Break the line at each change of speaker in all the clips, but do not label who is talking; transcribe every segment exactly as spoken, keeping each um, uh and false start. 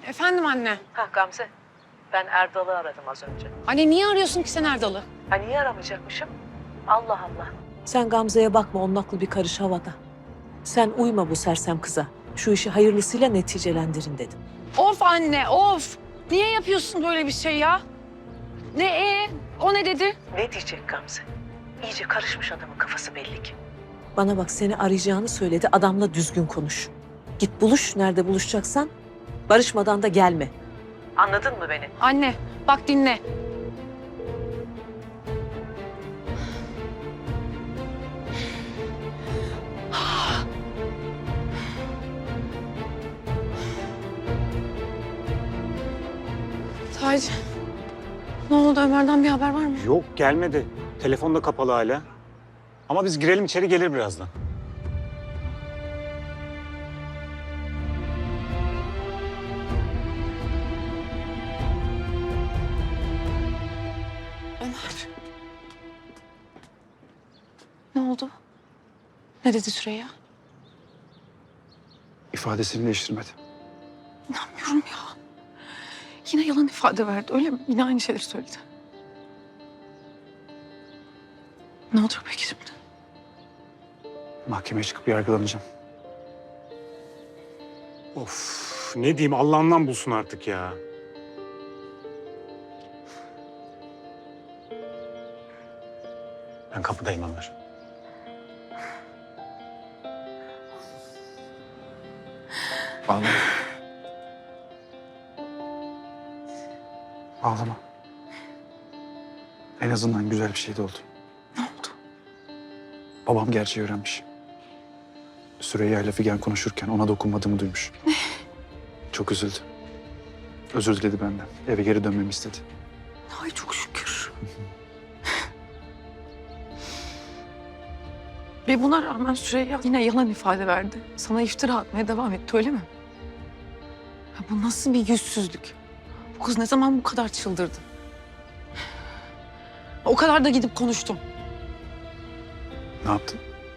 Efendim anne.
Ha Gamze, ben Erdal'ı aradım az önce.
Anne niye arıyorsun ki sen Erdal'ı?
Ha niye aramayacakmışım? Allah Allah. Sen Gamze'ye bakma, onun aklı bir karış havada. Sen uyma bu sersem kıza. Şu işi hayırlısıyla neticelendirin dedim.
Of anne of. Niye yapıyorsun böyle bir şey ya? Ne e? O ne dedi?
Ne diyecek Gamze? İyice karışmış adamın kafası belli ki. Bana bak, seni arayacağını söyledi, adamla düzgün konuş. Git buluş, nerede buluşacaksan. Barışmadan da gelme. Anladın mı beni?
Anne bak dinle. Taci. Ne oldu, Ömer'den bir haber var mı?
Yok, gelmedi. Telefon da kapalı hala. Ama biz girelim içeri, gelir birazdan.
Ömer. Ne oldu? Ne dedi Süreyya?
İfadesini değiştirmedi.
İnanmıyorum ya. Yine yalan ifade verdi, öyle mi? Yine aynı şeyleri söyledi. Ne olacak peki şimdi?
Mahkemeye çıkıp yargılanacağım.
Of, ne diyeyim, Allah'ından bulsun artık ya. Ben kapıdayım Ömer.
Ağlama. Ağlama. En azından güzel bir şey de oldu.
Ne oldu?
Babam gerçeği öğrenmiş. Süreyya ile Figen konuşurken ona dokunmadığımı duymuş. Ne? Çok üzüldü. Özür diledi benden. Eve geri dönmemi istedi.
Ay çok şükür. Ve buna rağmen Süreyya yine yalan ifade verdi. Sana iftira atmaya devam etti, öyle mi? Ya bu nasıl bir yüzsüzlük? Bu kız ne zaman bu kadar çıldırdı? O kadar da gidip konuştum.
Ne yaptın?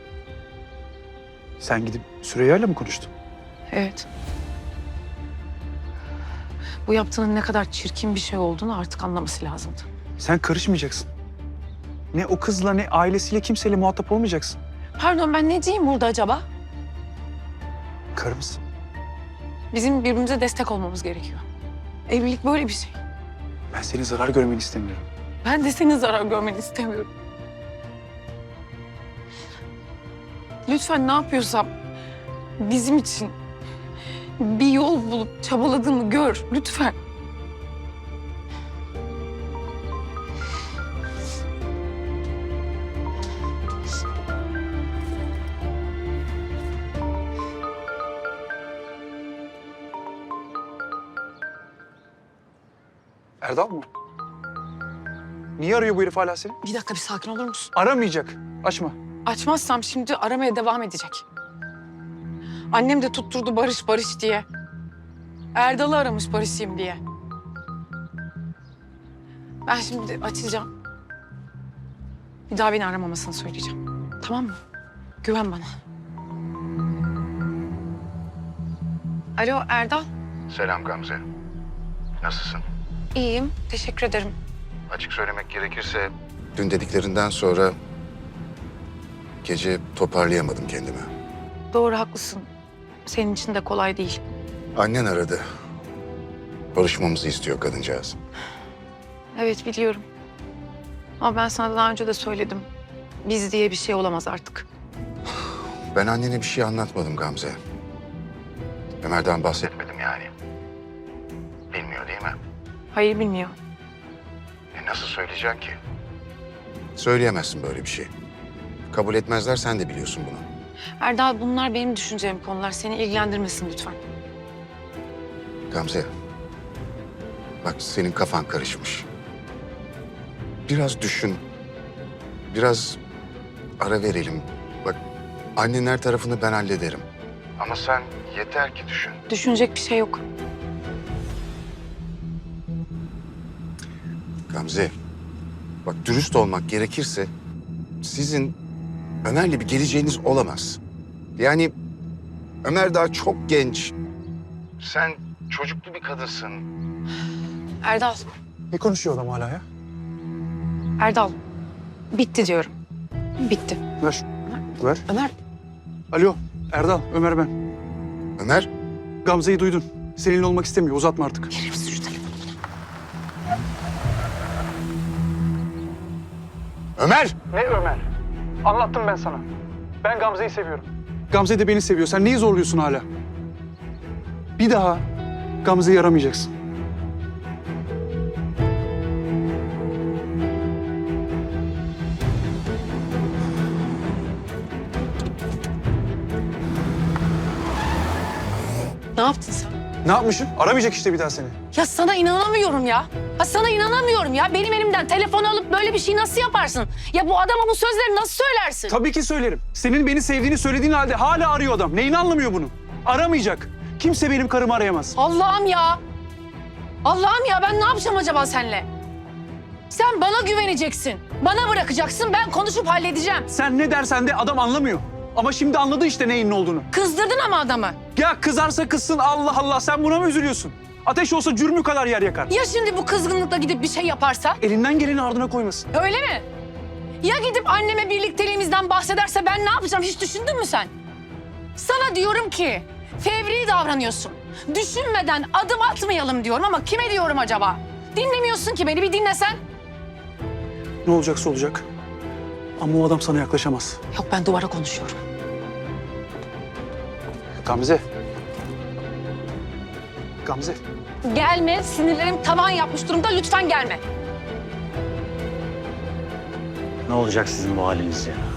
Sen gidip Süreyya ile mi konuştun?
Evet. Bu yaptığının ne kadar çirkin bir şey olduğunu artık anlaması lazımdı.
Sen karışmayacaksın. Ne o kızla ne ailesiyle kimseyle muhatap olmayacaksın.
Pardon, ben ne diyeyim burada acaba?
Karı mısın?
Bizim birbirimize destek olmamız gerekiyor. Evlilik böyle bir şey.
Ben senin zarar görmeni istemiyorum.
Ben de senin zarar görmeni istemiyorum. Lütfen ne yapıyorsam bizim için bir yol bulup çabaladığımı gör. Lütfen.
Erdal mı? Niye arıyor bu herif hala seni?
Bir dakika, bir sakin olur musun?
Aramayacak. Açma.
Açmazsam şimdi aramaya devam edecek. Annem de tutturdu Barış Barış diye. Erdal'ı aramış barışayım diye. Ben şimdi açacağım. Bir daha beni aramamasını söyleyeceğim. Tamam mı? Güven bana. Alo Erdal.
Selam Gamze. Nasılsın?
İyiyim. Teşekkür ederim.
Açık söylemek gerekirse dün dediklerinden sonra gece toparlayamadım kendimi.
Doğru, haklısın. Senin için de kolay değil.
Annen aradı. Barışmamızı istiyor kadıncağız.
Evet, biliyorum. Ama ben sana daha önce de söyledim. Biz diye bir şey olamaz artık.
Ben annene bir şey anlatmadım Gamze. Ömer'den bahsetmedim yani. Bilmiyor değil mi?
Hayır, bilmiyor.
E nasıl söyleyeceksin ki? Söyleyemezsin böyle bir şey. Kabul etmezler, sen de biliyorsun bunu.
Erdal, bunlar benim düşüneceğim konular. Seni ilgilendirmesin lütfen.
Gamze, bak senin kafan karışmış. Biraz düşün. Biraz ara verelim. Bak annenin her tarafını ben hallederim. Ama sen yeter ki düşün.
Düşünecek bir şey yok.
Gamze, bak dürüst olmak gerekirse sizin Ömer'le bir geleceğiniz olamaz. Yani Ömer daha çok genç. Sen çocuklu bir kadınsın.
Erdal,
Ne konuşuyor adam hala ya?
Erdal. Bitti diyorum. Bitti.
Ver şu- Ver.
Ömer,
Alo Erdal, Ömer ben.
Ömer,
Gamze'yi duydun. Seninle olmak istemiyor. Uzatma artık.
verir misin şu telefonu?
Ömer!
Ne Ömer? Anlattım ben sana. Ben Gamze'yi seviyorum. Gamze de beni seviyor. Sen neyi zorluyorsun hala? Bir daha Gamze'yi aramayacaksın.
Ne yaptın sen?
Ne yapmışım? Aramayacak işte bir daha seni.
Ya sana inanamıyorum ya. Ha sana inanamıyorum ya. Benim elimden telefon alıp böyle bir şey nasıl yaparsın? Ya bu adama bu sözleri nasıl söylersin?
Tabii ki söylerim. Senin beni sevdiğini söylediğin halde hala arıyor adam. Neyini anlamıyor bunu? Aramayacak. Kimse benim karımı arayamaz.
Allah'ım ya. Allah'ım ya ben ne yapacağım acaba seninle? Sen bana güveneceksin. Bana bırakacaksın. Ben konuşup halledeceğim.
Sen ne dersen de adam anlamıyor. Ama şimdi anladı işte neyin ne olduğunu.
Kızdırdın ama adamı.
Ya kızarsa kızsın Allah Allah, sen buna mı üzülüyorsun? Ateş olsa cürmü kadar yer yakar.
Ya şimdi bu kızgınlıkla gidip bir şey yaparsa?
Elinden geleni ardına koymasın.
Öyle mi? Ya gidip anneme birlikteliğimizden bahsederse ben ne yapacağım hiç düşündün mü sen? Sana diyorum ki fevri davranıyorsun. Düşünmeden adım atmayalım diyorum ama kime diyorum acaba? Dinlemiyorsun ki beni, bir dinlesen.
Ne olacaksa olacak. Ama o adam sana yaklaşamaz.
Yok ben duvara konuşuyorum.
Gamze. Gamze.
Gelme, sinirlerim tavan yapmış durumda, lütfen gelme.
Ne olacak sizin bu haliniz ya?